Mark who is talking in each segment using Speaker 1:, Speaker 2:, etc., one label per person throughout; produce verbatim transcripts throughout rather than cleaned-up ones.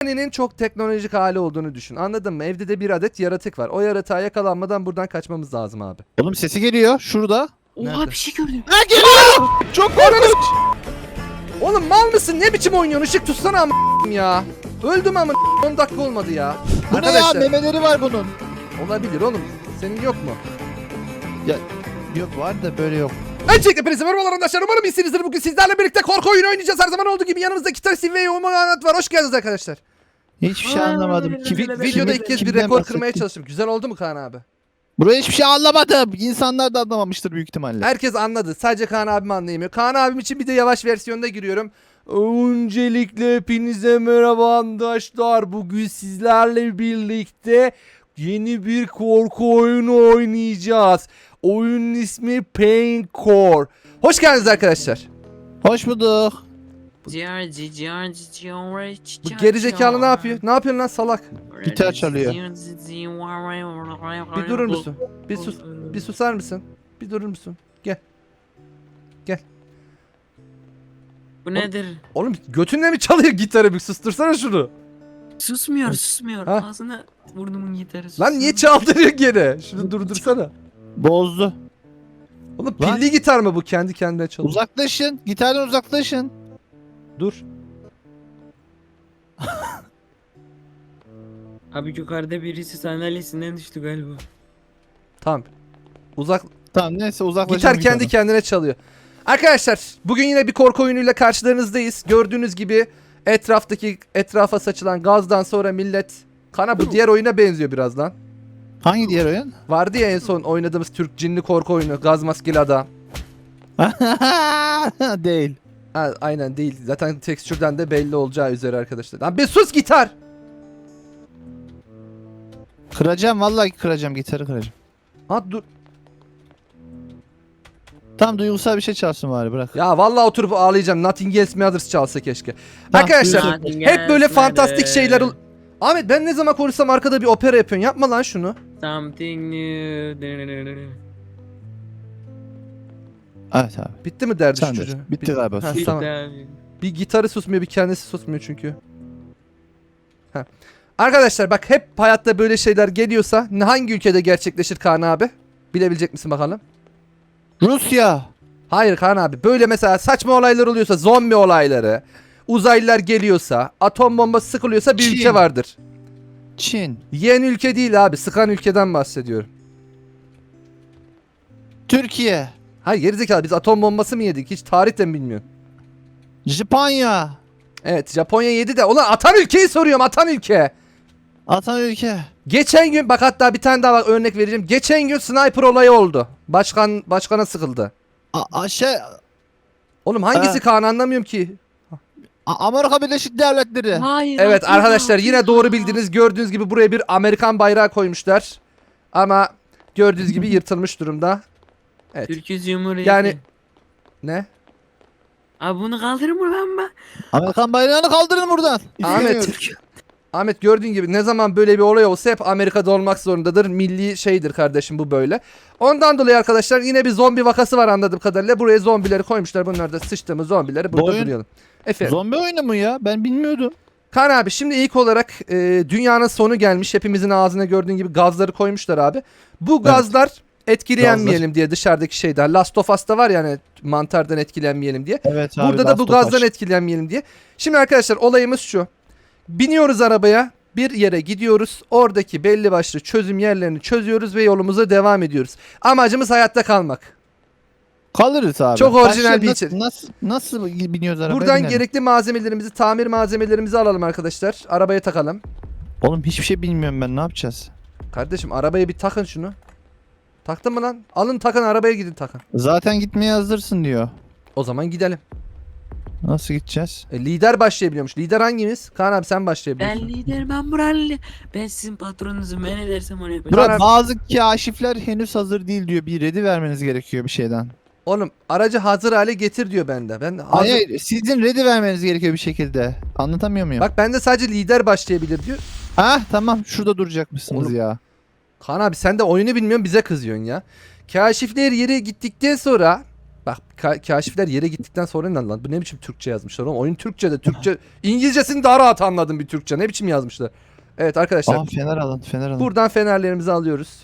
Speaker 1: Bonnie'nin çok teknolojik hali olduğunu düşün. Anladın mı? Evde de bir adet yaratık var. O yaratığa yakalanmadan buradan kaçmamız lazım abi.
Speaker 2: Oğlum sesi geliyor şurada.
Speaker 3: Oha
Speaker 1: Nerede?
Speaker 3: bir şey gördüm.
Speaker 2: Ha geliyor. Çok korkunç.
Speaker 1: Oğlum mal mısın? Ne biçim oynuyorsun? Işık tutsana ama ya. Öldüm ama on dakika olmadı ya.
Speaker 2: Bu
Speaker 1: Arkadaşlar,
Speaker 2: ne ya, memeleri var bunun.
Speaker 1: olabilir oğlum. Senin yok mu?
Speaker 2: Yok var da böyle yok.
Speaker 1: Öncelikle hepinize merhabalar arkadaşlar. Umarım iyisinizdir. Bugün sizlerle birlikte korku oyunu oynayacağız. Her zaman olduğu gibi yanımızda iki tane Steve ve Umar Anlat var. Hoş geldiniz arkadaşlar.
Speaker 2: Hiçbir şey anlamadım. Kim,
Speaker 1: Vi- videoda ilk kez bir
Speaker 2: kimden
Speaker 1: rekor
Speaker 2: bahsettin?
Speaker 1: kırmaya çalıştım. Güzel oldu mu Kaan abi?
Speaker 2: Buraya hiçbir şey anlamadım. İnsanlar da anlamamıştır büyük ihtimalle.
Speaker 1: Herkes anladı. Sadece Kaan abim anlayamıyor. Kaan abim için bir de yavaş versiyonda giriyorum. Öncelikle hepinize merhaba arkadaşlar. Bugün sizlerle birlikte yeni bir korku oyunu oynayacağız. Oyunun ismi Paincore. Hoş geldiniz arkadaşlar.
Speaker 2: Hoş bulduk.
Speaker 3: George, George, George,
Speaker 1: Bu gerizekalı ne yapıyor? Ne yapıyorsun lan salak?
Speaker 2: Gitar çalıyor.
Speaker 1: Bir durur musun? Bir sus. Bir susar mısın? Bir durur musun? Gel. Gel.
Speaker 3: Bu nedir?
Speaker 1: Oğlum götünle mi çalıyor gitarı? Bir sustursana şunu.
Speaker 3: Susmuyor, susmuyor.
Speaker 1: Ha?
Speaker 3: Ağzına burnumun gitarı.
Speaker 1: Lan niye çaldırıyor gene? Şunu durdursana.
Speaker 2: Bozdu.
Speaker 1: Oğlum
Speaker 2: Lan.
Speaker 1: pilli gitar mı bu? Kendi kendine çalıyor.
Speaker 2: Uzaklaşın. Gitardan uzaklaşın.
Speaker 1: Dur.
Speaker 3: Abi yukarıda birisi sandalyesinden düştü galiba.
Speaker 1: Tamam. Uzak.
Speaker 2: Tamam neyse uzaklaşın.
Speaker 1: Gitar kendi kendine çalıyor. Arkadaşlar bugün yine bir korku oyunuyla karşılarınızdayız. Gördüğünüz gibi etraftaki etrafa saçılan gazdan sonra millet kana bu diğer oyuna benziyor biraz lan.
Speaker 2: Hangi diğer oyun?
Speaker 1: Vardı ya en son oynadığımız Türk cinli korku oyunu Gaz Maskeli Adam.
Speaker 2: Değil.
Speaker 1: Ha, aynen değil. Zaten tekstürden de belli olacağı üzere arkadaşlar. Lan bir sus gitar.
Speaker 2: Kıracağım vallahi kıracağım, gitarı kıracağım.
Speaker 1: Ha dur.
Speaker 2: Tam duygusal bir şey çalsın bari, bırak.
Speaker 1: Ya vallahi oturup ağlayacağım. Nothing Else Matters çalsa keşke.
Speaker 2: Tamam,
Speaker 1: Arkadaşlar
Speaker 3: Nothing
Speaker 1: hep böyle
Speaker 3: else
Speaker 1: fantastik
Speaker 3: matters.
Speaker 1: şeyler ol- Ahmet ben ne zaman konuşsam arkada bir opera yapıyorsun. Yapma lan şunu.
Speaker 3: Something new.
Speaker 2: Evet abi.
Speaker 1: Bitti mi derdi şu
Speaker 2: Sen de.
Speaker 1: çocuğun?
Speaker 2: Bitti
Speaker 1: Bir-
Speaker 2: galiba.
Speaker 1: Ha,
Speaker 2: Sus.
Speaker 1: tamam. Bir gitarı susmuyor, bir kendisi susmuyor çünkü. Ha. Arkadaşlar bak hep hayatta böyle şeyler geliyorsa hangi ülkede gerçekleşir Kaan abi? Bilebilecek misin bakalım?
Speaker 2: Rusya.
Speaker 1: Hayır Kaan abi. Böyle mesela saçma olaylar oluyorsa, zombi olayları, uzaylılar geliyorsa, atom bombası sıkılıyorsa bir
Speaker 2: Çin.
Speaker 1: ülke vardır.
Speaker 2: Çin.
Speaker 1: Yiyen ülke değil abi. Sıkan ülkeden bahsediyorum.
Speaker 2: Türkiye.
Speaker 1: Hayır gerizekalı biz atom bombası mı yedik? Hiç tarihten mi bilmiyorum.
Speaker 2: Japonya.
Speaker 1: Evet Japonya yedi de. Ulan atan ülkeyi soruyorum, atan ülke.
Speaker 2: Atan ülke.
Speaker 1: Geçen gün bak hatta bir tane daha bak, örnek vereceğim. Geçen gün sniper olayı oldu. Başkan başkana sıkıldı.
Speaker 2: A aşağı.
Speaker 1: Oğlum hangisi
Speaker 2: Ha.
Speaker 1: Kaan anlamıyorum ki.
Speaker 2: A Amerika Birleşik Devletleri.
Speaker 3: Hayır.
Speaker 1: Evet
Speaker 3: atıyor,
Speaker 1: arkadaşlar yine
Speaker 3: atıyor.
Speaker 1: doğru bildiniz. Gördüğünüz gibi buraya bir Amerikan bayrağı koymuşlar. Ama gördüğünüz gibi yırtılmış durumda. Evet.
Speaker 3: Türkiye Cumhuriyeti.
Speaker 1: Yani ne?
Speaker 3: Abi bunu kaldırır mı lan ben?
Speaker 2: Amerikan bayrağını kaldırın buradan.
Speaker 1: Ahmet.
Speaker 2: İstemiyorum.
Speaker 1: Ahmet gördüğün gibi ne zaman böyle bir olay olsa hep Amerika'da olmak zorundadır. Milli şeydir kardeşim bu böyle. Ondan dolayı arkadaşlar yine bir zombi vakası var anladığım kadarıyla. Buraya zombileri koymuşlar. Bunlar da sıçtığımız zombileri burada
Speaker 2: oyun-
Speaker 1: duruyalım. Efendim.
Speaker 2: Zombi oyunu mu ya? Ben bilmiyordum.
Speaker 1: Kaan abi şimdi ilk olarak e, dünyanın sonu gelmiş. Hepimizin ağzına gördüğün gibi gazları koymuşlar abi. Bu gazlar etkilenmeyelim diye dışarıdaki şeyden. Last of Us'ta var yani mantardan etkilenmeyelim diye.
Speaker 2: Evet abi.
Speaker 1: Burada da bu
Speaker 2: Last of Us.
Speaker 1: gazdan etkilenmeyelim diye. Şimdi arkadaşlar olayımız şu. Biniyoruz arabaya. Bir yere gidiyoruz. Oradaki belli başlı çözüm yerlerini çözüyoruz ve yolumuza devam ediyoruz. Amacımız hayatta kalmak.
Speaker 2: Kalırız abi.
Speaker 1: Çok orijinal
Speaker 2: Başka
Speaker 1: bir
Speaker 2: nasıl,
Speaker 1: içerik.
Speaker 2: nasıl, nasıl biniyoruz arabaya?
Speaker 1: Buradan
Speaker 2: binelim.
Speaker 1: gerekli malzemelerimizi, tamir malzemelerimizi alalım arkadaşlar. Arabaya takalım.
Speaker 2: Oğlum hiçbir şey bilmiyorum ben, ne yapacağız?
Speaker 1: Kardeşim arabaya bir takın şunu. Taktın mı lan? Alın takın arabaya gidin takın.
Speaker 2: Zaten gitmeye hazırsın diyor.
Speaker 1: O zaman gidelim.
Speaker 2: Nasıl gideceğiz?
Speaker 1: E, lider başlayabiliyormuş. Lider hangimiz? Kaan abi sen
Speaker 3: Ben
Speaker 1: başlayabiliyorsun.
Speaker 3: lider, ben buralı. Ben sizin patronunuzum. Ben ne dersem onu yapacağım.
Speaker 2: Burada
Speaker 1: Bana-
Speaker 2: bazı kaşifler henüz hazır değil diyor. Bir ready vermeniz gerekiyor bir şeyden.
Speaker 1: Oğlum aracı hazır hale getir diyor bende. Ben hazır...
Speaker 2: Hayır, hayır, sizin ready vermeniz gerekiyor bir şekilde. Anlatamıyor muyum?
Speaker 1: Bak bende sadece lider başlayabilir diyor.
Speaker 2: Ha tamam, şurada duracakmışsınız
Speaker 1: Oğlum.
Speaker 2: ya.
Speaker 1: Kaan abi sen de oyunu bilmiyorsun bize kızıyorsun ya. Kaşifler yere gittikten sonra Bak ka- kaşifler yere gittikten sonra ne lan? Bu ne biçim Türkçe yazmışlar oğlum? Oyun Türkçe de Türkçe. İngilizcesini daha rahat anladım bir Türkçe. Ne biçim yazmışlar? Evet arkadaşlar.
Speaker 2: Aa fener alın fener alın.
Speaker 1: Buradan fenerlerimizi alıyoruz.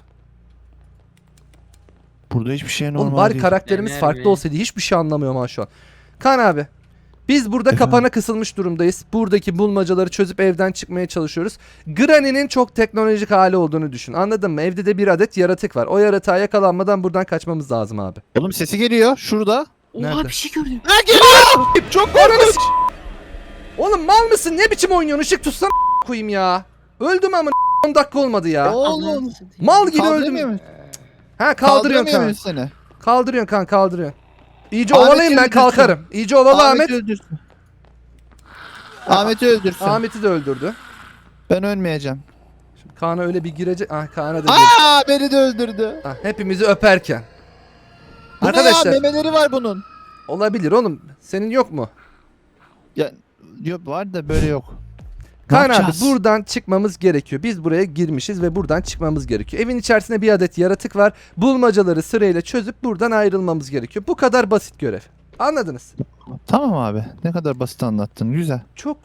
Speaker 2: Burada hiçbir şey normal
Speaker 1: Oğlum bari
Speaker 2: değil.
Speaker 1: karakterimiz
Speaker 3: Fener
Speaker 1: farklı
Speaker 3: mi?
Speaker 1: olsaydı hiçbir şey anlamıyorum ha şu an. Kaan abi. Biz burada
Speaker 2: Efendim?
Speaker 1: kapana kısılmış durumdayız. Buradaki bulmacaları çözüp evden çıkmaya çalışıyoruz. Granny'nin çok teknolojik hali olduğunu düşün. Anladın mı? Evde de bir adet yaratık var. O yaratığa yakalanmadan buradan kaçmamız lazım abi.
Speaker 2: Oğlum sesi geliyor şurada.
Speaker 3: Oha
Speaker 1: Nerede?
Speaker 3: bir şey gördüm.
Speaker 2: Ha geliyor. Çok
Speaker 1: Ananı s- Oğlum mal mısın? Ne biçim oynuyorsun? Işık tutsana koyayım ya. Öldüm ama on dakika olmadı ya.
Speaker 2: Oğlum.
Speaker 1: Mal gibi
Speaker 2: Kaldıramıyor
Speaker 1: öldüm.
Speaker 2: muyum?
Speaker 1: Ha kaldırıyorsun
Speaker 2: Kaldıramıyor
Speaker 1: kan.
Speaker 2: muyum seni?
Speaker 1: Kaldırıyorsun kan kaldırıyorsun. İyice
Speaker 2: Ahmet'i
Speaker 1: ovalayayım ben
Speaker 2: öldürsün.
Speaker 1: kalkarım. İyice ovala Ahmet.
Speaker 2: Ahmet'i öldürsün. Ahmet'i öldürsün.
Speaker 1: Ahmet'i de öldürdü.
Speaker 2: Ben ölmeyeceğim.
Speaker 1: Şimdi Kaan'a öyle bir girecek. Ah Kaan'a da girecek.
Speaker 2: Aa beni de öldürdü.
Speaker 1: Ah, hepimizi öperken.
Speaker 2: Bu
Speaker 1: Arkadaşlar
Speaker 2: ne ya, memeleri var bunun.
Speaker 1: olabilir oğlum. Senin yok mu?
Speaker 2: Ya yok var da böyle yok. Ne
Speaker 1: Kaan abi
Speaker 2: yapacağız?
Speaker 1: buradan çıkmamız gerekiyor. Biz buraya girmişiz ve buradan çıkmamız gerekiyor. Evin içerisinde bir adet yaratık var. Bulmacaları sırayla çözüp buradan ayrılmamız gerekiyor. Bu kadar basit görev. Anladınız?
Speaker 2: Tamam abi. Ne kadar basit anlattın. Güzel.
Speaker 1: Çok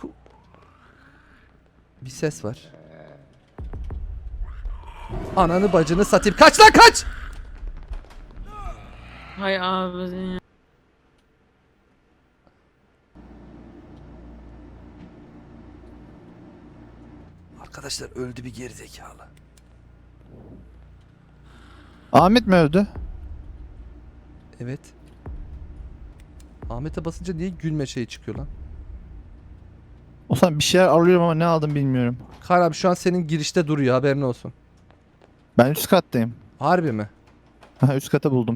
Speaker 1: bir ses var. Ananı bacını satayım. Kaç lan kaç!
Speaker 3: Hay abi ya.
Speaker 1: Arkadaşlar öldü bir gerizekalı.
Speaker 2: Ahmet mi öldü?
Speaker 1: Evet. Ahmet'e basınca niye gülme şeyi çıkıyor lan?
Speaker 2: O zaman bir şeyler alıyorum ama ne aldım bilmiyorum.
Speaker 1: Kaan abi şu an senin girişte duruyor haberin olsun.
Speaker 2: Ben üst kattayım.
Speaker 1: Harbi mi?
Speaker 2: Ha üst kata buldum.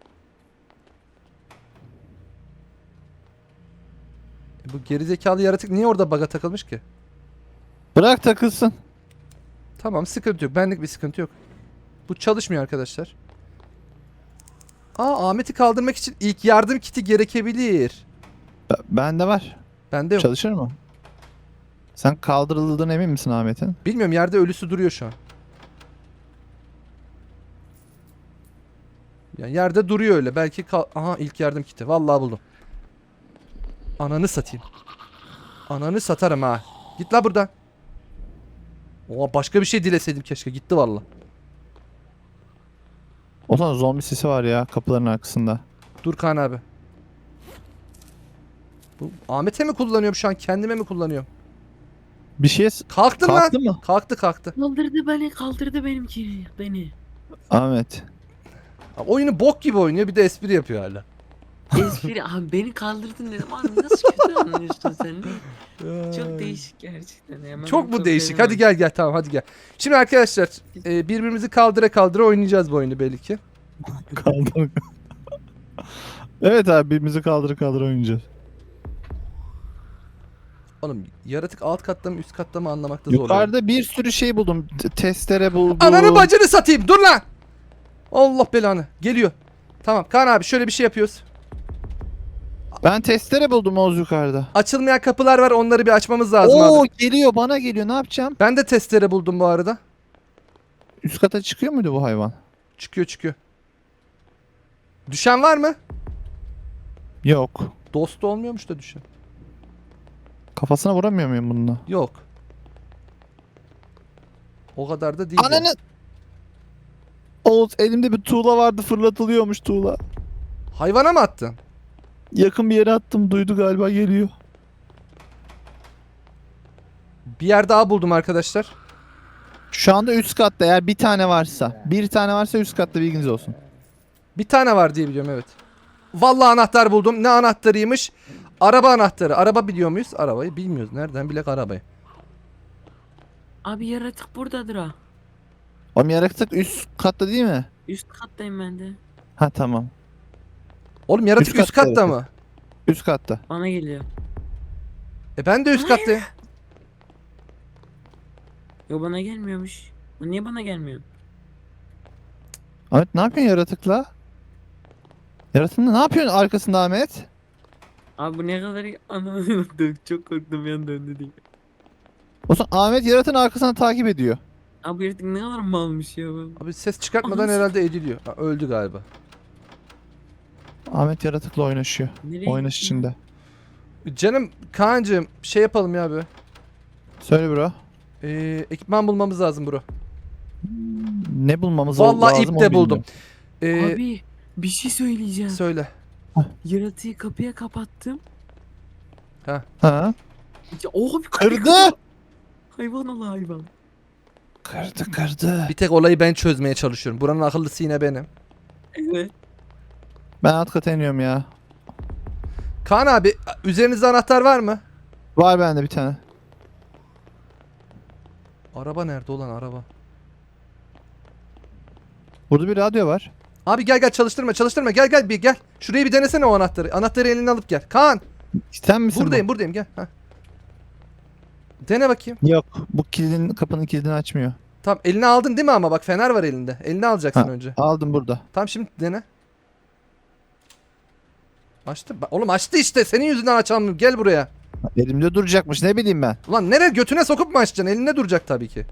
Speaker 1: E bu gerizekalı yaratık niye orada baga takılmış ki?
Speaker 2: Bırak takılsın.
Speaker 1: Tamam sıkıntı yok. Benlik bir sıkıntı yok. Bu çalışmıyor arkadaşlar. Aa Ahmet'i kaldırmak için ilk yardım kiti gerekebilir.
Speaker 2: B- Bende var.
Speaker 1: Bende yok.
Speaker 2: Çalışır mı? Sen kaldırıldığına emin misin Ahmet'in?
Speaker 1: Bilmiyorum yerde ölüsü duruyor şu an. Yani yerde duruyor öyle. Belki kal aha ilk yardım kiti. Vallahi buldum. Ananı satayım. Ananı satarım ha. Git la buradan. Oha başka bir şey dileseydim keşke. Gitti vallahi.
Speaker 2: O zaman zombi sesi var ya kapıların arkasında.
Speaker 1: Dur Kaan abi. Bu Ahmet'e mi kullanıyorum şu an? Kendime mi kullanıyorum?
Speaker 2: Bir şey s-
Speaker 1: Kalktın lan.
Speaker 2: kalktı mı?
Speaker 1: Kalktı kalktı.
Speaker 3: Kaldırdı beni kaldırdı benimki beni.
Speaker 2: Ahmet.
Speaker 1: Abi oyunu bok gibi oynuyor bir de espri yapıyor hala.
Speaker 3: Espri abi beni kaldırdın dedim abi nasıl kötü anlıyorsun sen? Çok değişik gerçekten. Hemen
Speaker 1: Çok mu
Speaker 3: çok
Speaker 1: değişik?
Speaker 3: beğendim.
Speaker 1: Hadi gel gel tamam hadi gel. Şimdi arkadaşlar e, birbirimizi kaldıra kaldıra oynayacağız bu oyunu belli ki.
Speaker 2: Kaldır. Evet abi birbirimizi kaldır kaldır oynayacağız.
Speaker 1: Oğlum yaratık alt katta mı üst katta mı anlamakta zorlanıyorum.
Speaker 2: Yukarıda bir sürü şey buldum. T- testere buldum.
Speaker 1: Ananı bacını satayım dur lan. Allah belanı geliyor. Tamam Kaan abi şöyle bir şey yapıyoruz.
Speaker 2: Ben testere buldum Oğuz yukarıda.
Speaker 1: Açılmayan kapılar var onları bir açmamız lazım
Speaker 2: Oo
Speaker 1: abi.
Speaker 2: geliyor bana geliyor ne yapacağım?
Speaker 1: Ben de testere buldum bu arada.
Speaker 2: Üst kata çıkıyor muydu bu hayvan?
Speaker 1: Çıkıyor çıkıyor. Düşen var mı?
Speaker 2: Yok.
Speaker 1: Dost olmuyormuş da düşen.
Speaker 2: Kafasına vuramıyor muyum bununla?
Speaker 1: Yok. O kadar da değil. yani.
Speaker 2: Ananı! Oğuz elimde bir tuğla vardı fırlatılıyormuş tuğla.
Speaker 1: Hayvana mı attın?
Speaker 2: Yakın bir yere attım duydu galiba geliyor.
Speaker 1: Bir yer daha buldum arkadaşlar.
Speaker 2: Şu anda üst katta eğer bir tane varsa. Bir tane varsa üst katta bilginiz olsun.
Speaker 1: Bir tane var diye biliyorum evet. Vallahi anahtar buldum. Ne anahtarıymış? Araba anahtarı. Araba biliyor muyuz? Arabayı bilmiyoruz. Nereden bilek arabayı?
Speaker 3: Abi yaratık buradadır ha.
Speaker 2: Oğlum yaratık üst katta değil mi?
Speaker 3: Üst kattayım ben de.
Speaker 2: Ha tamam.
Speaker 1: Oğlum yaratık
Speaker 2: Üst
Speaker 1: üst,
Speaker 2: katta
Speaker 1: katta
Speaker 2: yaratık.
Speaker 1: mı?
Speaker 2: Üst katta.
Speaker 3: Bana geliyor.
Speaker 1: E ben de üst kattayım.
Speaker 3: Yo bana gelmiyormuş. Bu niye bana gelmiyor?
Speaker 2: Ahmet ne yapıyorsun yaratıkla? Yaratığında ne yapıyorsun arkasında Ahmet?
Speaker 3: Abi bu ne kadar anlamadım. Çok korktum bir an döndü diye.
Speaker 2: O zaman Ahmet yaratığın arkasından takip ediyor.
Speaker 3: Abi yaratık ne kadar malmış ya bu.
Speaker 1: Abi ses çıkartmadan
Speaker 3: Anasını-
Speaker 1: herhalde ediliyor. Ha, öldü galiba.
Speaker 2: Ahmet yaratıkla oynaşıyor.
Speaker 3: Nereye
Speaker 2: Oynaş
Speaker 3: gittin?
Speaker 2: içinde.
Speaker 1: Canım Kaan'cığım şey yapalım ya abi.
Speaker 2: Söyle bro.
Speaker 1: Ee, ekipman bulmamız lazım bro.
Speaker 2: Ne bulmamız
Speaker 1: Vallahi
Speaker 2: lazım
Speaker 1: ip
Speaker 2: onu
Speaker 1: de buldum.
Speaker 2: bilmiyorum.
Speaker 1: Ee,
Speaker 3: Abi bir şey söyleyeceğim.
Speaker 1: söyle.
Speaker 3: Yaratığı kapıya kapattım.
Speaker 2: Ha?
Speaker 3: Ya, oh, bir kapıyı
Speaker 2: Kırdı.
Speaker 3: kapa- Hayvan ol hayvan.
Speaker 2: Kırdı kırdı.
Speaker 1: Bir tek olayı ben çözmeye çalışıyorum. Buranın akıllısı yine benim.
Speaker 3: Evet.
Speaker 2: Ben alt kata iniyorum ya.
Speaker 1: Kaan abi üzerinizde anahtar var mı?
Speaker 2: Var bende bir tane.
Speaker 1: Araba nerede olan araba?
Speaker 2: Burada bir radyo var.
Speaker 1: Abi gel gel çalıştırma çalıştırma gel gel bir gel. Şurayı bir denesene o anahtarı. Anahtarı eline alıp gel. Kaan
Speaker 2: Sen misin
Speaker 1: buradayım buradayım gel. Heh. Dene bakayım.
Speaker 2: bu? Yok. Bu kilidin kapının kilidini açmıyor.
Speaker 1: Tamam eline aldın değil mi ama bak fener var elinde. Eline alacaksın
Speaker 2: Ha.
Speaker 1: önce.
Speaker 2: Aldım burada.
Speaker 1: Tamam şimdi dene. Açtı. Ba- Oğlum açtı işte. Senin yüzünden açamıyorum. Gel buraya.
Speaker 2: Elimde duracakmış ne bileyim ben.
Speaker 1: Ulan nereye götüne sokup mu açacaksın? Elinde duracak tabii ki.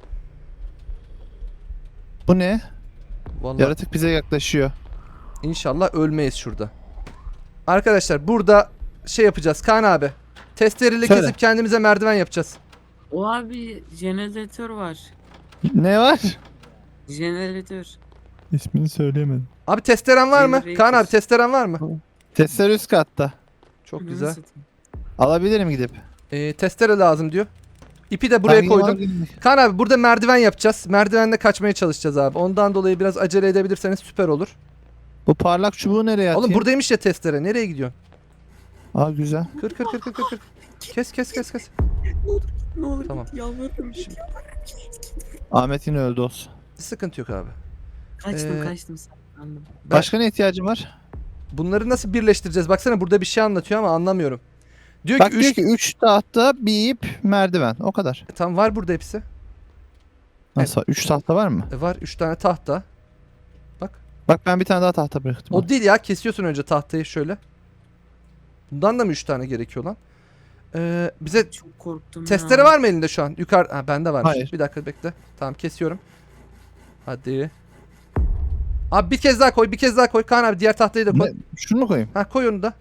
Speaker 2: Bu ne?
Speaker 1: Vallahi
Speaker 2: Yaratık bize yaklaşıyor.
Speaker 1: inşallah ölmeyiz şurada. Arkadaşlar burada şey yapacağız. Kaan abi. Testereyle
Speaker 2: Söyle.
Speaker 1: kesip kendimize merdiven yapacağız.
Speaker 3: O abi jeneratör var.
Speaker 2: Ne var?
Speaker 3: Jeneratör.
Speaker 2: İsmini söyleyemedim.
Speaker 1: Abi testeren var mı?
Speaker 3: Generator.
Speaker 1: Kaan abi testeren var mı?
Speaker 2: Testere üst katta.
Speaker 1: Çok
Speaker 3: Ananı
Speaker 1: güzel.
Speaker 3: satayım.
Speaker 2: Alabilirim gidip.
Speaker 1: Ee, testere lazım diyor. İpi de buraya
Speaker 2: Ben
Speaker 1: koydum.
Speaker 2: alabilirim.
Speaker 1: Kaan abi burada merdiven yapacağız. Merdivenle kaçmaya çalışacağız abi. Ondan dolayı biraz acele edebilirseniz süper olur.
Speaker 2: Bu parlak çubuğu nereye atayım?
Speaker 1: Oğlum buradaymış ya testere. Nereye gidiyorsun?
Speaker 2: Aa güzel.
Speaker 1: Kır kır kır kır kır kır. Kes kes kes kes.
Speaker 3: Ne olur ne olur
Speaker 1: Tamam.
Speaker 3: git, yalvarırım.
Speaker 1: Şimdi-
Speaker 2: Ahmet yine öldü olsun.
Speaker 1: Sıkıntı yok abi.
Speaker 3: Kaçtım
Speaker 1: Ee,
Speaker 3: kaçtım sandım.
Speaker 1: Ben-
Speaker 2: Başka ne ihtiyacın var?
Speaker 1: Bunları nasıl birleştireceğiz? Baksana burada bir şey anlatıyor ama anlamıyorum. Diyor
Speaker 2: Bak
Speaker 1: ki
Speaker 2: diyor
Speaker 1: üç...
Speaker 2: ki üç tahta bir ip merdiven. O kadar.
Speaker 1: Tam var burada hepsi.
Speaker 2: Nasıl? üç tahta var mı?
Speaker 1: E, var üç tane tahta.
Speaker 2: Bak ben bir tane daha tahta bıraktım.
Speaker 1: O değil ya, kesiyorsun önce tahtayı şöyle. Bundan da mı üç tane gerekiyor lan? Ee, bize
Speaker 3: Çok korktum
Speaker 1: testere
Speaker 3: ya.
Speaker 1: var mı elinde şu an? Yukarı ha, bende varmış.
Speaker 2: Hayır.
Speaker 1: Bir dakika bekle. Tamam kesiyorum. Hadi. Abi bir kez daha koy, bir kez daha koy. Kaan abi diğer tahtayı da koy.
Speaker 2: Ne? Şunu mu koyayım?
Speaker 1: Ha koy onu da.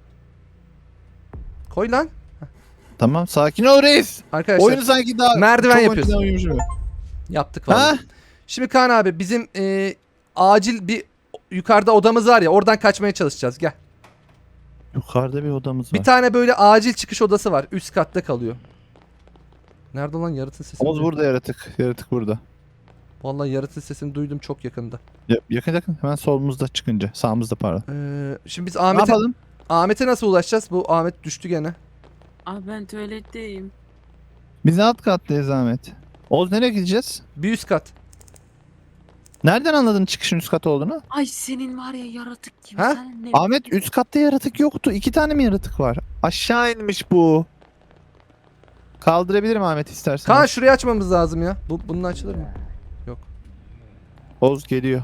Speaker 1: Koy lan.
Speaker 2: Tamam sakin ol reis.
Speaker 1: Arkadaşlar
Speaker 2: Oyunu sanki daha
Speaker 1: merdiven
Speaker 2: çok
Speaker 1: yapıyorsun.
Speaker 2: önceden uyumuşum.
Speaker 1: yaptık
Speaker 2: Ha?
Speaker 1: vallahi. Şimdi Kaan abi bizim e, acil bir yukarıda odamız var ya, oradan kaçmaya çalışacağız. Gel.
Speaker 2: Yukarıda bir odamız var.
Speaker 1: Bir tane böyle acil çıkış odası var. Üst katta kalıyor. Nerede lan yaratın sesini?
Speaker 2: Oğuz
Speaker 1: duydum.
Speaker 2: burada yaratık. Yaratık burada.
Speaker 1: Vallahi yaratın sesini duydum çok yakında.
Speaker 2: Ya, yakın yakın hemen solumuzda çıkınca. Sağımızda pardon.
Speaker 1: Ee, şimdi biz
Speaker 2: Ne
Speaker 1: Ahmet'e
Speaker 2: yapalım?
Speaker 1: Ahmet'e nasıl ulaşacağız? Bu Ahmet düştü gene.
Speaker 3: Abi ben tuvaletteyim.
Speaker 2: Biz alt kattayız Ahmet. Oğuz nereye gideceğiz?
Speaker 1: Bir üst kat.
Speaker 2: Nereden anladın çıkışın üst kat olduğunu?
Speaker 3: Ay senin var ya yaratık gibi.
Speaker 1: Ha?
Speaker 3: Sen ne?
Speaker 2: Ahmet üst katta yaratık yoktu. İki tane mi yaratık var? Aşağı inmiş bu. Kaldırabilirim Ahmet istersen.
Speaker 1: Kaan şurayı açmamız lazım ya. Bu bunun açılır mı?
Speaker 2: Oğuz geliyor.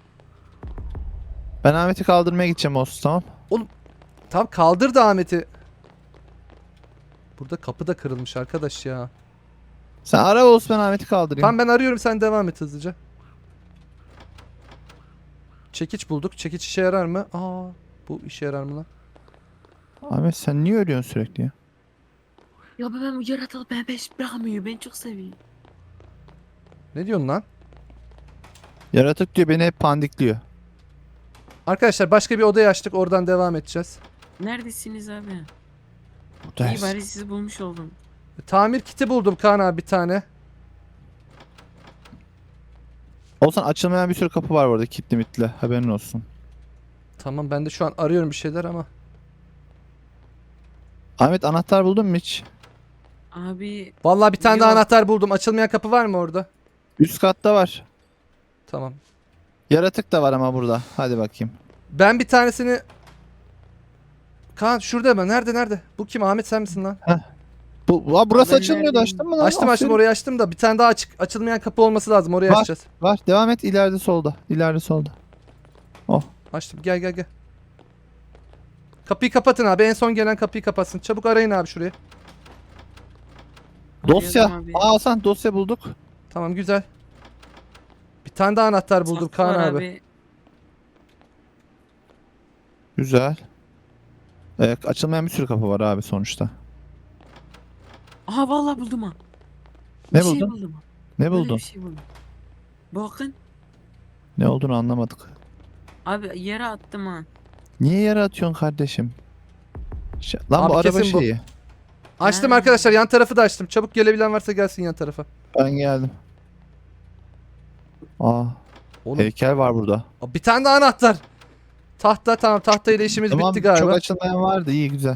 Speaker 2: Ben Ahmet'i kaldırmaya gideceğim Oğuz tamam.
Speaker 1: Tamam kaldır da Ahmet'i. Burada kapı da kırılmış arkadaş ya.
Speaker 2: Sen ara Oğuz ben Ahmet'i kaldırayım.
Speaker 1: Tamam ben arıyorum, sen devam et hızlıca. Çekiç bulduk. Çekiç işe yarar mı? Aa, bu işe yarar mı lan?
Speaker 2: Ahmet sen niye ölüyorsun sürekli ya?
Speaker 3: Ya ben bu yaratığı ben peş bırakmıyor. Ben çok seviyorum.
Speaker 1: Ne diyorsun lan?
Speaker 2: Yaratık diyor beni hep pandikliyor.
Speaker 1: Arkadaşlar başka bir odayı açtık. Oradan devam edeceğiz.
Speaker 3: Neredesiniz abi? İyi
Speaker 2: Buradayız.
Speaker 3: bari sizi bulmuş oldum.
Speaker 1: Tamir kiti buldum Kaan abi bir tane.
Speaker 2: Olsan açılmayan bir sürü kapı var orada kilitli mitli haberin olsun.
Speaker 1: Tamam ben de şu an arıyorum bir şeyler ama.
Speaker 2: Ahmet anahtar buldun mu hiç?
Speaker 3: Abi
Speaker 1: Vallahi bir tane daha
Speaker 3: Yok.
Speaker 1: anahtar buldum. Açılmayan kapı var mı orada?
Speaker 2: Üst katta var.
Speaker 1: Tamam.
Speaker 2: Yaratık da var ama burada. Hadi bakayım.
Speaker 1: Ben bir tanesini... Kaan şurada mı? Nerede nerede? Bu kim? Ahmet sen misin lan?
Speaker 2: Bu, Aa, burası
Speaker 3: Ben
Speaker 2: açılmıyordu
Speaker 3: neredeyim?
Speaker 2: açtın mı lan?
Speaker 1: Açtım açtım
Speaker 2: Aferin.
Speaker 1: orayı açtım da bir tane daha açık açılmayan kapı olması lazım. Orayı
Speaker 2: Var.
Speaker 1: açacağız.
Speaker 2: Var devam et ileride solda. İleride solda.
Speaker 1: Açtım. Gel gel gel. Kapıyı kapatın abi. En son gelen kapıyı kapatsın. Çabuk arayın abi şurayı.
Speaker 2: Dosya.
Speaker 3: arıyorum abi.
Speaker 2: Aa Hasan dosya bulduk.
Speaker 1: Tamam güzel. Bir tane daha anahtar buldum
Speaker 3: Saksı
Speaker 1: Kaan
Speaker 3: var
Speaker 1: abi.
Speaker 2: Güzel. Ee, açılmayan bir sürü kapı var abi sonuçta.
Speaker 3: Aha vallahi buldum ha.
Speaker 2: Ne
Speaker 3: Bir şey
Speaker 2: buldun?
Speaker 3: buldum.
Speaker 2: Ne
Speaker 3: Böyle
Speaker 2: buldun?
Speaker 3: bir şey buldum. Bakın.
Speaker 2: Ne olduğunu anlamadık.
Speaker 3: Abi yere attım ha.
Speaker 2: Niye yere atıyorsun kardeşim? Ş- Lan
Speaker 1: Abi
Speaker 2: bu araba
Speaker 1: kesin bu.
Speaker 2: şeyi.
Speaker 1: Açtım
Speaker 3: Ha.
Speaker 1: arkadaşlar, yan tarafı da açtım. Çabuk gelebilen varsa gelsin yan tarafa.
Speaker 2: Ben geldim. Aa,
Speaker 1: Oğlum
Speaker 2: heykel var burada.
Speaker 1: bir tane daha anahtar. Tahta, tamam, tahta ile işimiz
Speaker 2: Tamam,
Speaker 1: bitti galiba.
Speaker 2: çok açılmayan vardı. İyi, güzel.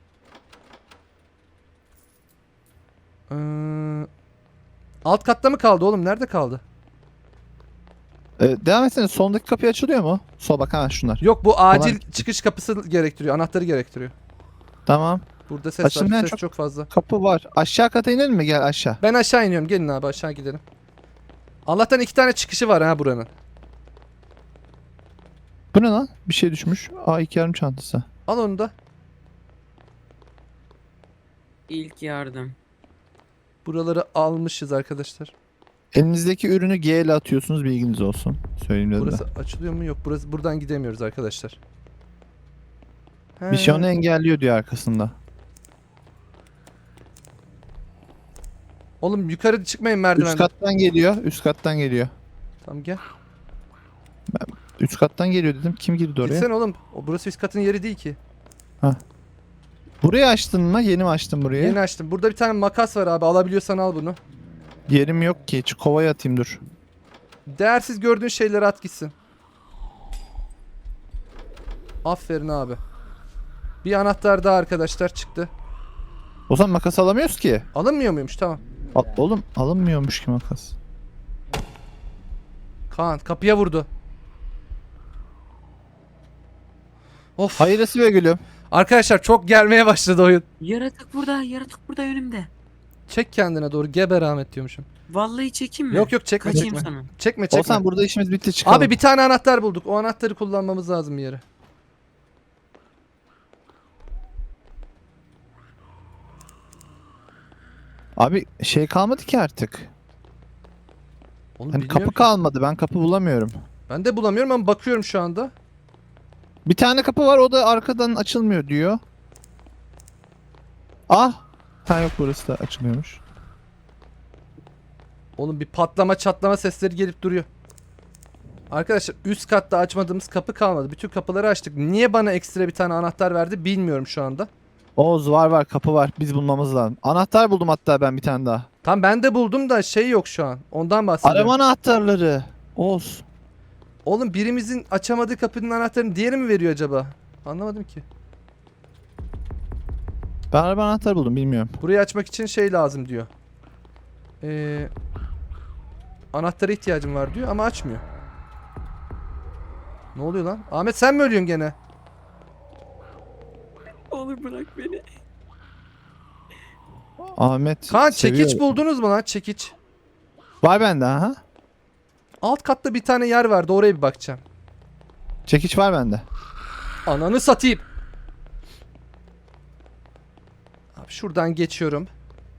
Speaker 1: Ee, alt katta mı kaldı oğlum? Nerede kaldı?
Speaker 2: Ee, devam etsene. Sondaki kapı açılıyor mu? Sol bak, hemen şunlar.
Speaker 1: Yok, bu acil
Speaker 2: Kolay.
Speaker 1: çıkış kapısı gerektiriyor. Anahtarı gerektiriyor.
Speaker 2: Tamam.
Speaker 1: Burada ses
Speaker 2: Açılmayan
Speaker 1: var. Ses
Speaker 2: çok-
Speaker 1: çok fazla.
Speaker 2: Kapı var. Aşağı kata inelim mi? Gel aşağı.
Speaker 1: Ben aşağı iniyorum. Gelin abi, aşağı gidelim. Allah'tan iki tane çıkışı var ha buranın.
Speaker 2: Bu ne lan? Bir şey düşmüş. Aa, iki yarım çantası.
Speaker 1: Al onu da.
Speaker 3: İlk yardım.
Speaker 1: Buraları almışız arkadaşlar.
Speaker 2: Elinizdeki ürünü G ile atıyorsunuz, bilginiz olsun. Söyleyeyim dedim
Speaker 1: Burası
Speaker 2: de.
Speaker 1: açılıyor mu? Yok. Burası, buradan gidemiyoruz arkadaşlar. He.
Speaker 2: Bir şey onu engelliyor diyor arkasında.
Speaker 1: Oğlum yukarı çıkmayın merdivenden.
Speaker 2: Üst kattan geliyor. Üst kattan geliyor.
Speaker 1: Tamam, gel.
Speaker 2: Üst kattan geliyor dedim. Kim girdi oraya?
Speaker 1: Gitsene oğlum. O, burası üst katın yeri değil ki.
Speaker 2: Burayı açtın mı? Yeni mi açtın burayı?
Speaker 1: Yeni açtım. Burada bir tane makas var abi. Alabiliyorsan al bunu.
Speaker 2: Yerim yok ki. Şu kovaya atayım, dur.
Speaker 1: Değersiz gördüğün şeyleri at gitsin. Aferin abi. Bir anahtar daha arkadaşlar çıktı.
Speaker 2: O zaman makas alamıyoruz ki.
Speaker 1: Alınmıyor muymuş? Tamam.
Speaker 2: Al- oğlum alınmıyormuş ki makas.
Speaker 1: Kaan kapıya vurdu. Of.
Speaker 2: Hayırlısı be gülüm.
Speaker 1: Arkadaşlar çok gelmeye başladı oyun.
Speaker 3: Yaratık burada. Yaratık burada önümde.
Speaker 1: Çek kendine doğru. Geber Ahmet diyormuşum.
Speaker 3: Vallahi çekeyim mi?
Speaker 1: Yok yok, çekme
Speaker 3: Kaçayım
Speaker 1: çekme.
Speaker 3: sana.
Speaker 1: Çekme çekme.
Speaker 2: Olsan burada işimiz bitti, çıkalım.
Speaker 1: Abi bir tane anahtar bulduk. O anahtarı kullanmamız lazım bir yere.
Speaker 2: Abi şey kalmadı ki artık.
Speaker 1: Oğlum
Speaker 2: Hani
Speaker 1: bilmiyorum
Speaker 2: kapı
Speaker 1: ki.
Speaker 2: kalmadı. Ben kapı bulamıyorum.
Speaker 1: Ben de bulamıyorum ama bakıyorum şu anda.
Speaker 2: Bir tane kapı var, o da arkadan açılmıyor diyor. Ah! Ha yok, burası da açılmıyormuş.
Speaker 1: Oğlum bir patlama çatlama sesleri gelip duruyor. Arkadaşlar üst katta açmadığımız kapı kalmadı. Bütün kapıları açtık. Niye bana ekstra bir tane anahtar verdi bilmiyorum şu anda.
Speaker 2: Oğuz var var, kapı var. Biz bulmamız lazım. Anahtar buldum hatta ben bir tane daha.
Speaker 1: Tam ben de buldum da şey yok şu an. Ondan bahsediyorum.
Speaker 2: Arama anahtarları. Oğuz.
Speaker 1: Oğlum birimizin açamadığı kapının anahtarını diğeri mi veriyor acaba? Anlamadım ki.
Speaker 2: Ben araba anahtarı buldum, bilmiyorum.
Speaker 1: Burayı açmak için şey lazım diyor. Ee, anahtara ihtiyacım var diyor ama açmıyor. Ne oluyor lan? Ahmet sen mi ölüyorsun gene?
Speaker 3: Olur bırak beni.
Speaker 2: Ahmet
Speaker 1: Kaan
Speaker 2: seviyor.
Speaker 1: çekiç buldunuz mu lan, çekiç?
Speaker 2: Var bende, aha.
Speaker 1: Alt katta bir tane yer vardı, oraya bir bakacağım.
Speaker 2: Çekiç var bende.
Speaker 1: Ananı satayım. Abi şuradan geçiyorum.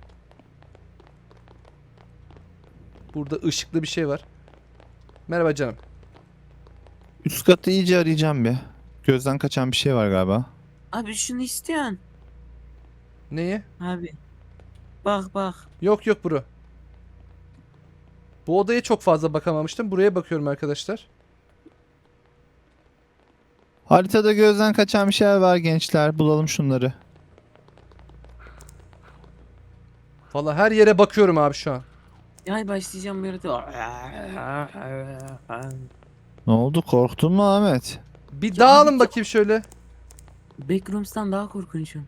Speaker 1: Burada ışıklı bir şey var. Merhaba canım.
Speaker 2: Üst katı iyice arayacağım bir. Gözden kaçan bir şey var galiba.
Speaker 3: Abi şunu istiyorsun.
Speaker 1: Neyi?
Speaker 3: Abi. Bak bak.
Speaker 1: Yok yok bro. Bu odaya çok fazla bakamamıştım. Buraya bakıyorum arkadaşlar.
Speaker 2: Haritada gözden kaçan bir şeyler var gençler. Bulalım şunları.
Speaker 1: Valla her yere bakıyorum abi şu an.
Speaker 3: Ay başlayacağım bir yaratık.
Speaker 2: Ne oldu? Korktun mu Ahmet?
Speaker 1: Bir
Speaker 3: Ya
Speaker 1: dağılın
Speaker 3: abi,
Speaker 1: bakayım şöyle.
Speaker 3: Backrooms'tan daha korkunçum.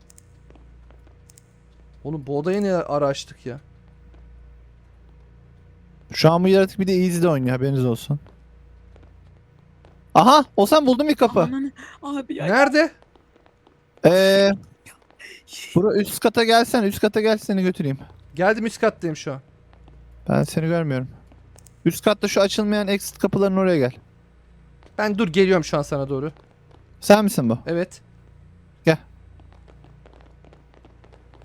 Speaker 1: Oğlum bu odayı ne ara açtık ya?
Speaker 2: Şu an bu yaratık bir de Easy'de oynuyor, haberiniz olsun. Aha! Olsan buldum bir kapı.
Speaker 3: Ananı- Abi ya.
Speaker 1: Nerede?
Speaker 2: Eee... Bura üst kata gelsen, üst kata gel seni götüreyim.
Speaker 1: Geldim, üst kattayım şu an.
Speaker 2: Ben seni görmüyorum. Üst katta şu açılmayan exit kapıların oraya gel.
Speaker 1: Ben dur geliyorum şu an sana doğru.
Speaker 2: Sen misin bu?
Speaker 1: Evet.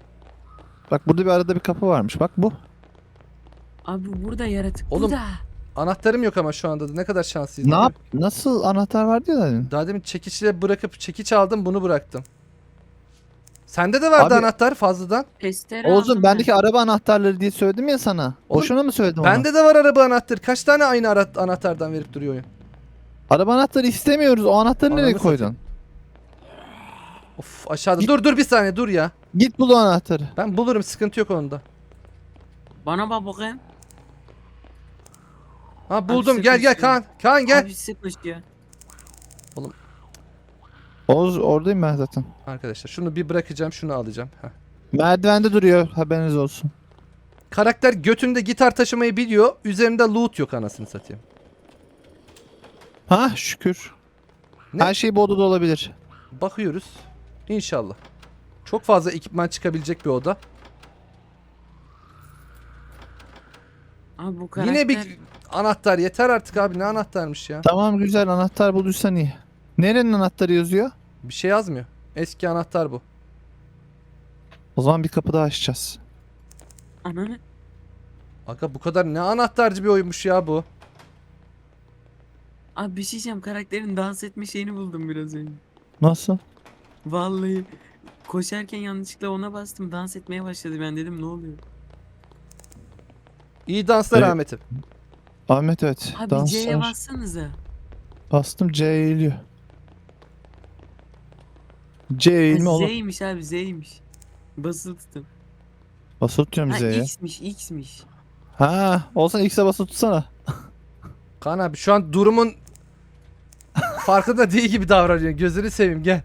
Speaker 2: Bak burada bir arada bir kapı varmış. Bak bu.
Speaker 3: Abi burada yaratık.
Speaker 1: Oğlum,
Speaker 3: Burada.
Speaker 1: Anahtarım yok ama şu anda da ne kadar şanslıyız.
Speaker 2: Ne
Speaker 1: değil mi?
Speaker 2: yap? Nasıl anahtar vardı ya dedin?
Speaker 1: Daha demin çekiçle bırakıp çekiç aldım, bunu bıraktım. Sende de vardı
Speaker 2: Abi-
Speaker 1: anahtar fazladan.
Speaker 3: Testere
Speaker 2: Oğuzum
Speaker 3: aldım
Speaker 2: bendeki
Speaker 3: ben.
Speaker 2: araba anahtarları diye söyledim ya sana.
Speaker 1: Oğlum,
Speaker 2: Boşuna mı söyledim onu?
Speaker 1: Bende de var araba anahtarı. Kaç tane aynı ara- anahtardan verip duruyor oyun?
Speaker 2: Araba anahtarı istemiyoruz. O anahtarı
Speaker 1: Ananı
Speaker 2: nereye
Speaker 1: satayım.
Speaker 2: koydun?
Speaker 1: Of aşağıda. Dur dur bir saniye dur ya.
Speaker 2: Git bul o anahtarı.
Speaker 1: Ben bulurum, sıkıntı yok onda.
Speaker 3: Bana bak bakayım.
Speaker 1: Ha buldum,
Speaker 3: Abi
Speaker 1: gel gel
Speaker 3: sıkıştı.
Speaker 1: Kaan. Kaan gel.
Speaker 3: Abi sıkmış ya.
Speaker 2: Oğuz oradayım ben zaten.
Speaker 1: Arkadaşlar şunu bir bırakacağım, şunu alacağım. Heh.
Speaker 2: Merdivende duruyor, haberiniz olsun.
Speaker 1: Karakter götünde gitar taşımayı biliyor. Üzerinde loot yok anasını satayım.
Speaker 2: Ha şükür.
Speaker 1: Ne?
Speaker 2: Her şey bu odada olabilir.
Speaker 1: Bakıyoruz. İnşallah. Çok fazla ekipman çıkabilecek bir oda.
Speaker 3: Abi bu karakter.
Speaker 1: Yine bir anahtar yeter artık abi, ne anahtarmış ya.
Speaker 2: Tamam güzel, anahtar bulduysan iyi. Nerenin anahtarı yazıyor?
Speaker 1: Bir şey yazmıyor. Eski anahtar bu.
Speaker 2: O zaman bir kapı daha açacağız.
Speaker 3: Ananı.
Speaker 1: Aga bu kadar ne anahtarcı bir oyunmuş ya bu.
Speaker 3: Abi bir şey diyeceğim, karakterin dans etme şeyini buldum biraz önce.
Speaker 2: Nasıl?
Speaker 3: Vallahi koşarken yanlışlıkla ona bastım, dans etmeye başladı, ben dedim ne oluyor?
Speaker 1: İyi danslar
Speaker 2: Evet.
Speaker 1: Ahmet'im.
Speaker 2: Ahmet evet.
Speaker 3: Abi
Speaker 2: dans
Speaker 3: C'ye
Speaker 2: var.
Speaker 3: bassanıza.
Speaker 2: Bastım, C eğiliyor. C eğilme
Speaker 3: Ha,
Speaker 2: oğlum.
Speaker 3: Z'ymiş abi, Z'ymiş. Basılı tutun.
Speaker 2: Basılı tutuyorum
Speaker 3: Ha
Speaker 2: Z'ye.
Speaker 3: X'miş, X'miş.
Speaker 2: Ha, olsan X'e basılı tutsana.
Speaker 1: Kaan abi şu an durumun farkında değil gibi davranıyor. Gözünü seveyim gel.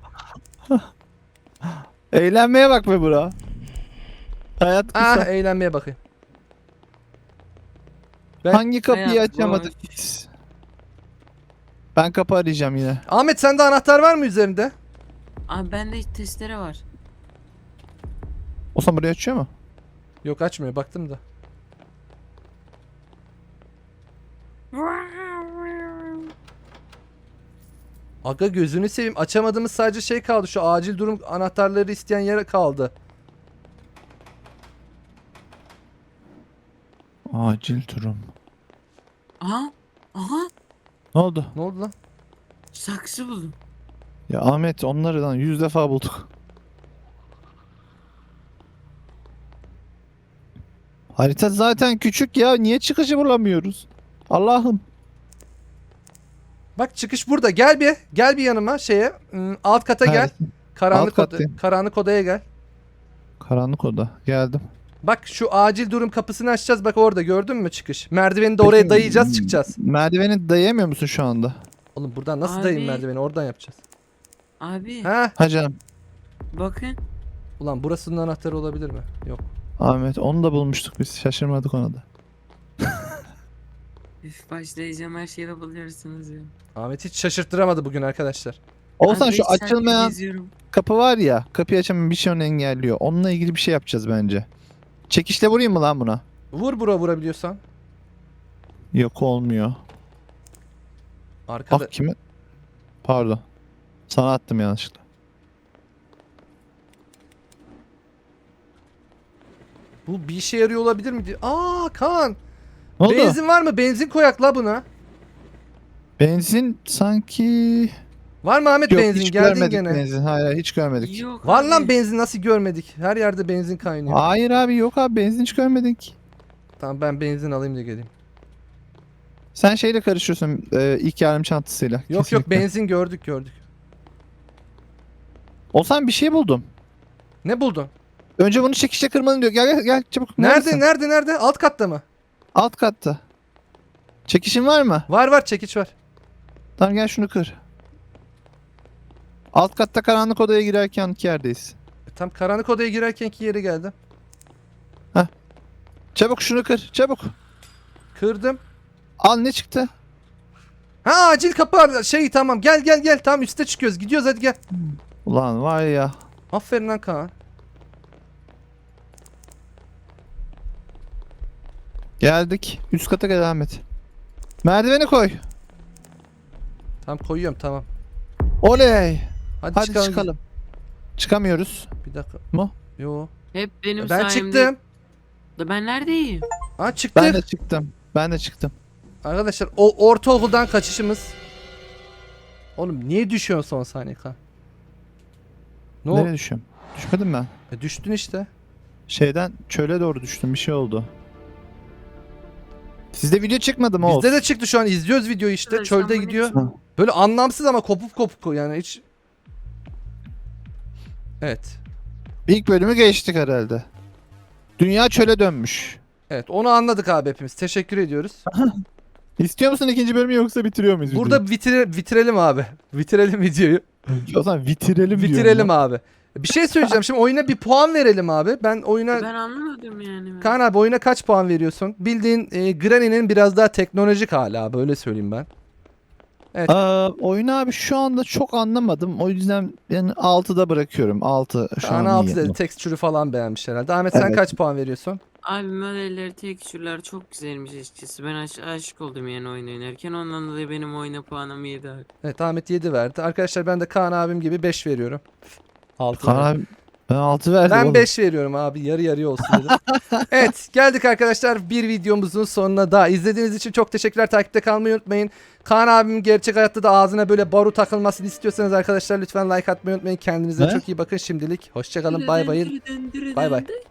Speaker 2: Eğlenmeye bak be bura. Hayat kısa.
Speaker 1: Ah eğlenmeye bakayım. ben-
Speaker 2: Hangi kapıyı
Speaker 3: Hayat
Speaker 2: açamadık
Speaker 3: boş.
Speaker 2: biz? Ben kapı arayacağım yine.
Speaker 1: Ahmet sende anahtar var mı üzerinde?
Speaker 3: Abi bende testere var.
Speaker 2: Olsan burayı açıyor mu?
Speaker 1: Yok açmıyor, baktım da. Aga gözünü seveyim, açamadığımız sadece şey kaldı, şu acil durum anahtarları isteyen yer kaldı.
Speaker 2: Acil durum.
Speaker 3: Aha. Aha.
Speaker 2: Ne oldu?
Speaker 1: Ne oldu lan?
Speaker 3: Saksı buldum.
Speaker 2: Ya Ahmet, onları lan yüz defa bulduk. Harita zaten küçük ya. Niye çıkışı bulamıyoruz? Allah'ım.
Speaker 1: Bak çıkış burada, gel bir gel bir yanıma şeye, ım, alt kata gel.
Speaker 2: Neredesin?
Speaker 1: Karanlık
Speaker 2: Alt
Speaker 1: oda,
Speaker 2: kattayım.
Speaker 1: karanlık odaya gel.
Speaker 2: Karanlık oda. Geldim.
Speaker 1: Bak şu acil durum kapısını açacağız, bak orada gördün mü çıkış. Merdiveni de oraya
Speaker 2: Peki,
Speaker 1: dayayacağız, çıkacağız.
Speaker 2: Merdiveni dayayamıyor musun şu anda?
Speaker 1: Oğlum buradan nasıl
Speaker 3: Abi.
Speaker 1: dayayım merdiveni, oradan yapacağız.
Speaker 3: Abi
Speaker 1: Ha?
Speaker 2: Ha canım.
Speaker 3: bakın.
Speaker 1: Ulan burasının anahtarı olabilir mi? Yok.
Speaker 2: Ahmet, onu da bulmuştuk biz. Şaşırmadık ona da.
Speaker 3: Üf, başlayacağım, her şeyi de buluyorsunuz ya.
Speaker 1: Ahmet hiç şaşırttıramadı bugün arkadaşlar.
Speaker 2: Olsan
Speaker 3: Abi
Speaker 2: şu
Speaker 3: beş saattir
Speaker 2: açılmayan
Speaker 3: geziyorum.
Speaker 2: kapı var ya. Kapıyı açamayan bir şey onu engelliyor. Onunla ilgili bir şey yapacağız bence. Çekişle vurayım mı lan buna?
Speaker 1: Vur bura vurabiliyorsan.
Speaker 2: Yok, olmuyor.
Speaker 1: Arkada.
Speaker 2: Ah, kimi? Pardon. Sana attım yanlışlıkla.
Speaker 1: Bu bir işe yarıyor olabilir mi diye. Aa Kaan.
Speaker 2: Ne oldu?
Speaker 1: Benzin var mı? Benzin koyak la buna.
Speaker 2: Benzin sanki...
Speaker 1: Var mı Ahmet
Speaker 2: Yok,
Speaker 1: benzin?
Speaker 2: hiç
Speaker 1: Geldin
Speaker 2: görmedik
Speaker 1: gene.
Speaker 2: benzin. Hayır, hayır, hiç görmedik.
Speaker 3: Yok
Speaker 1: Var
Speaker 3: abi.
Speaker 1: lan benzin, nasıl görmedik? Her yerde benzin kaynıyor.
Speaker 2: Hayır abi, yok abi, benzin hiç görmedik.
Speaker 1: Tamam ben benzin alayım da geleyim.
Speaker 2: Sen şeyle karışıyorsun, e, ilk yardım çantasıyla.
Speaker 1: Yok yok
Speaker 2: Kesinlikle.
Speaker 1: benzin gördük gördük.
Speaker 2: Olsan bir şey buldum.
Speaker 1: Ne buldun?
Speaker 2: Önce bunu çekişle kırmalım diyor. Gel gel gel çabuk.
Speaker 1: Nerede
Speaker 2: Neredesin?
Speaker 1: nerede nerede? Alt katta mı?
Speaker 2: Alt katta. Çekişin var mı?
Speaker 1: Var var çekiç var.
Speaker 2: Tamam gel şunu kır. Alt katta karanlık odaya girerken yerdeyiz.
Speaker 1: E, tam karanlık odaya girerkenki yere geldim.
Speaker 2: Çabuk şunu kır. Çabuk.
Speaker 1: Kırdım.
Speaker 2: Al, ne çıktı?
Speaker 1: Ha acil kapı var. Şey tamam gel gel gel. Tam üste çıkıyoruz. Gidiyoruz hadi gel.
Speaker 2: Ulan var ya.
Speaker 1: Aferin lan Kaan.
Speaker 2: Geldik. Üst kata gel Ahmet. Merdiveni koy.
Speaker 1: Tamam koyuyorum tamam.
Speaker 2: Oley.
Speaker 1: Hadi,
Speaker 2: Hadi
Speaker 1: çıkalım.
Speaker 2: çıkalım. Çıkamıyoruz.
Speaker 1: Bir dakika.
Speaker 2: Mu?
Speaker 1: Yo.
Speaker 3: Hep benim
Speaker 1: Ben
Speaker 3: sayemde.
Speaker 1: çıktım.
Speaker 3: Da ben neredeyim?
Speaker 1: Ha çıktık.
Speaker 2: Ben de çıktım. Ben de çıktım.
Speaker 1: Arkadaşlar o ortaokuldan kaçışımız. Oğlum niye düşüyorsun son saniye kan? Ne
Speaker 2: Nereye
Speaker 1: oldu?
Speaker 2: düşüyorum? Düşmedim ben.
Speaker 1: E, düştün işte.
Speaker 2: Şeyden çöle doğru düştüm. Bir şey oldu. Sizde video çıkmadı mı Oğuz?
Speaker 1: Bizde de çıktı şu an izliyoruz videoyu işte.
Speaker 3: Evet,
Speaker 1: Çölde
Speaker 3: sen
Speaker 1: gidiyor.
Speaker 2: bunu-
Speaker 1: Böyle anlamsız ama kopuk kopuk yani hiç. Evet.
Speaker 2: İlk bölümü geçtik herhalde. Dünya çöle dönmüş.
Speaker 1: Evet onu anladık abi hepimiz. Teşekkür ediyoruz.
Speaker 2: İstiyor musun ikinci bölümü yoksa bitiriyor muyuz
Speaker 1: Burada vitire, bitirelim abi. Bitirelim videoyu.
Speaker 2: videoyu? O zaman bitirelim diyorum
Speaker 1: Bitirelim
Speaker 2: lan.
Speaker 1: abi. Bir şey söyleyeceğim. Şimdi oyuna bir puan verelim abi. Ben oyuna...
Speaker 3: Ben anlamadım yani.
Speaker 1: Kaan abi oyuna kaç puan veriyorsun? Bildiğin e, Granny'nin biraz daha teknolojik hali abi. Öyle söyleyeyim ben.
Speaker 2: Aa, oyunu abi şu anda çok anlamadım. O yüzden ben altıda bırakıyorum. altı şu
Speaker 1: Kaan
Speaker 2: an
Speaker 1: altı
Speaker 2: iyi.
Speaker 1: dedi. Tekstürü falan beğenmiş herhalde. Ahmet sen
Speaker 2: Evet.
Speaker 1: kaç puan veriyorsun?
Speaker 3: Abi modelleri, tekstürler çok güzelmiş açıkçası. Ben aş- aşık oldum yani oyun oynarken. Ondan dolayı benim oyuna puanım yedi abi.
Speaker 1: Evet Ahmet yedi verdi. Arkadaşlar ben de Kaan abim gibi beş veriyorum. altı
Speaker 2: Kaan abi ben altı verdim
Speaker 1: Ben
Speaker 2: oğlum.
Speaker 1: beş veriyorum abi. Yarı yarıya olsun dedim. Evet geldik arkadaşlar bir videomuzun sonuna daha. İzlediğiniz için çok teşekkürler. Takipte kalmayı unutmayın. Kaan abim gerçek hayatta da ağzına böyle baru takılmasını istiyorsanız arkadaşlar lütfen like atmayı unutmayın. Kendinize
Speaker 2: Ne?
Speaker 1: çok iyi bakın şimdilik. Hoşçakalın bay bay. Bay bay.